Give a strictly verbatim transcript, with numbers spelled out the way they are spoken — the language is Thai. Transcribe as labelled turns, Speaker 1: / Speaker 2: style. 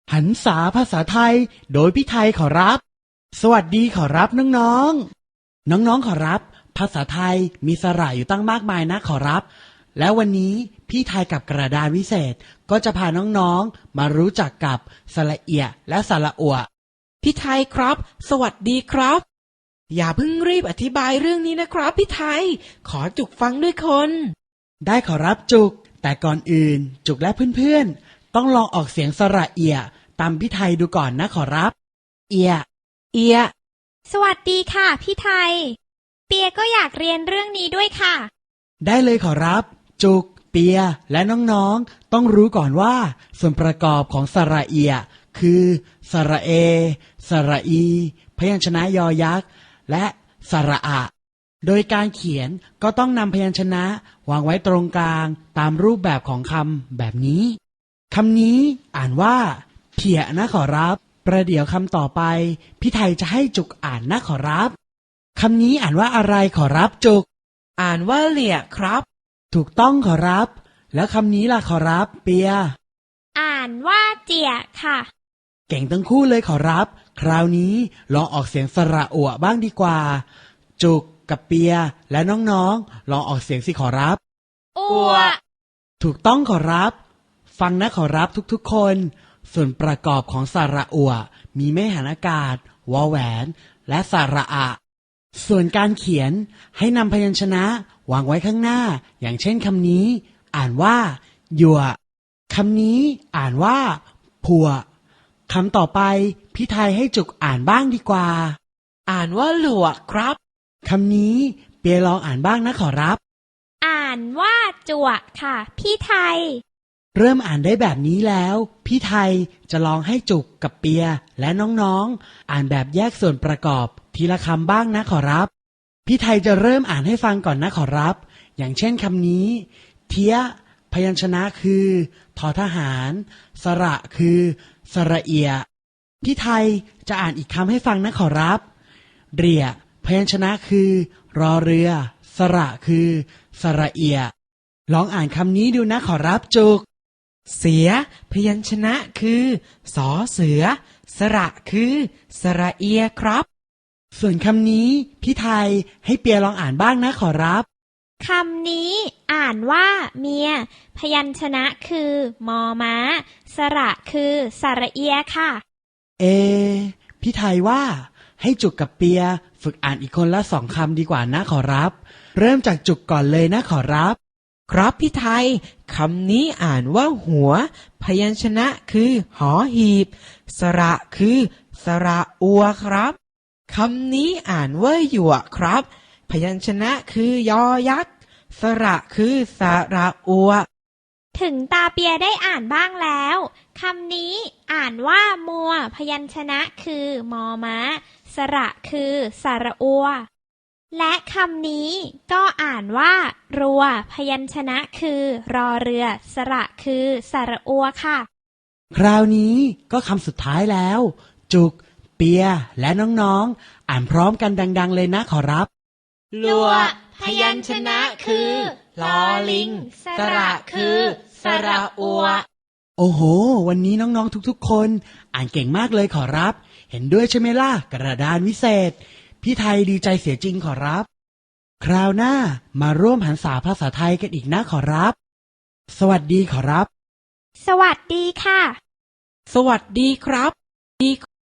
Speaker 1: หันษาภาษาไทยโดยพี่ไทยขอรับสวัสดีขอรับน้องๆน้องๆขอรับภาษาไทยมีสระอยู่ตั้งมากมายนะขอรับแล้ววันนี้พี่ไทยกับกระดานวิเศษก็จะพาน้องๆมารู้จักกับสระเอียและสระอัว
Speaker 2: พี่ไทยครับสวัสดีครับอย่าเพิ่งรีบอธิบายเรื่องนี้นะครับพี่ไทยขอจุกฟังด้วยคน
Speaker 1: ได้ขอรับจุกแต่ก่อนอื่นจุกและเพื่อนๆต้องลองออกเสียงสระเอียตามพี่ไทยดูก่อนนะขอรับเอีย
Speaker 2: เอีย
Speaker 3: สวัสดีค่ะพี่ไทยเปียก็อยากเรียนเรื่องนี้ด้วยค่ะ
Speaker 1: ได้เลยขอรับจุกเปียและน้องๆต้องรู้ก่อนว่าส่วนประกอบของสระเอียคือสระเอสระอีพยัญชนะยอยักษ์และสระอะโดยการเขียนก็ต้องนำพยัญชนะวางไว้ตรงกลางตามรูปแบบของคำแบบนี้คำนี้อ่านว่าเพียนะขอรับประเดี๋ยวคำต่อไปพี่ไทยจะให้จุกอ่านนะขอรับคำนี้อ่านว่าอะไรขอรับจุก
Speaker 2: อ่านว่าเหลี่ยครับ
Speaker 1: ถูกต้องขอรับแล้วคำนี้ล่ะขอรับเปีย
Speaker 3: อ่านว่าเจียค่ะ
Speaker 1: เก่งทั้งคู่เลยขอรับคราวนี้ลองออกเสียงสระอัวบ้างดีกว่าจุกกับเปียและน้องๆลองออกเสียงสิขอรับ
Speaker 3: อัว
Speaker 1: ถูกต้องขอรับฟังนะขอรับทุกๆคนส่วนประกอบของสระอัวมีแม่หันอากาศวอแหวนและสระอะส่วนการเขียนให้นำพยัญชนะวางไว้ข้างหน้าอย่างเช่นคำนี้อ่านว่าหยั่วคำนี้อ่านว่าผัวคำต่อไปพี่ไทยให้จุกอ่านบ้างดีกว่า
Speaker 2: อ่านว่าหลวกครับ
Speaker 1: คำนี้เปียลองอ่านบ้างนะขอรับ
Speaker 3: อ่านว่าจวกค่ะพี่ไทย
Speaker 1: เริ่มอ่านได้แบบนี้แล้วพี่ไทยจะลองให้จุกกับเปียและน้องๆอ่านแบบแยกส่วนประกอบทีละคำบ้างนะขอรับพี่ไทยจะเริ่มอ่านให้ฟังก่อนนะขอรับอย่างเช่นคำนี้เทียพยัญชนะคือทอทหารสระคือสระเอียพี่ไทยจะอ่านอีกคำให้ฟังนะขอรับเรียพยัญชนะคือรอเรือสระคือสระเอียลองอ่านคำนี้ดูนะขอรับจุก
Speaker 2: เสียพยัญชนะคือสอเสือสระคือสระเอียครับ
Speaker 1: ส่วนคำนี้พี่ไทยให้เปียลองอ่านบ้างนะขอรับ
Speaker 3: คำนี้อ่านว่าเมียพยัญชนะคือมอม้าสระคือสระเอียค่ะ
Speaker 1: เอพี่ไทยว่าให้จุกกับเปียฝึกอ่านอีกคนละสองคำดีกว่านะขอรับเริ่มจากจุกก่อนเลยนะขอรับ
Speaker 2: ครับพี่ไทยคำนี้อ่านว่าหัวพยัญชนะคือหอหีบสระคือสระอัวครับคำนี้อ่านว่าหยวกครับพยัญชนะคือยอยักษ์สระคือสระอัว
Speaker 3: ถึงตาเปียได้อ่านบ้างแล้วคำนี้อ่านว่ามัวพยัญชนะคือมอม้าสระคือสระอัวและคำนี้ก็อ่านว่ารัวพยัญชนะคือรอเรือสระคือสระอัวค่ะ
Speaker 1: คราวนี้ก็คำสุดท้ายแล้วจุกเปียและน้องๆอ่านพร้อมกันดังๆเลยนะขอรับ
Speaker 3: รัวพยัญชนะคือลอลิงสระคือสระอัว
Speaker 1: โอ้โหวันนี้น้องๆทุกๆคนอ่านเก่งมากเลยขอรับเห็นด้วยใช่ไหมล่ะกระดานวิเศษพี่ไทยดีใจเสียจริงขอรับคราวหน้ามาร่วมหันษาภาษาไทยกันอีกนะขอรับสวัสดีขอรับ
Speaker 3: สวัสดีค่ะ
Speaker 2: สวัสดีครับ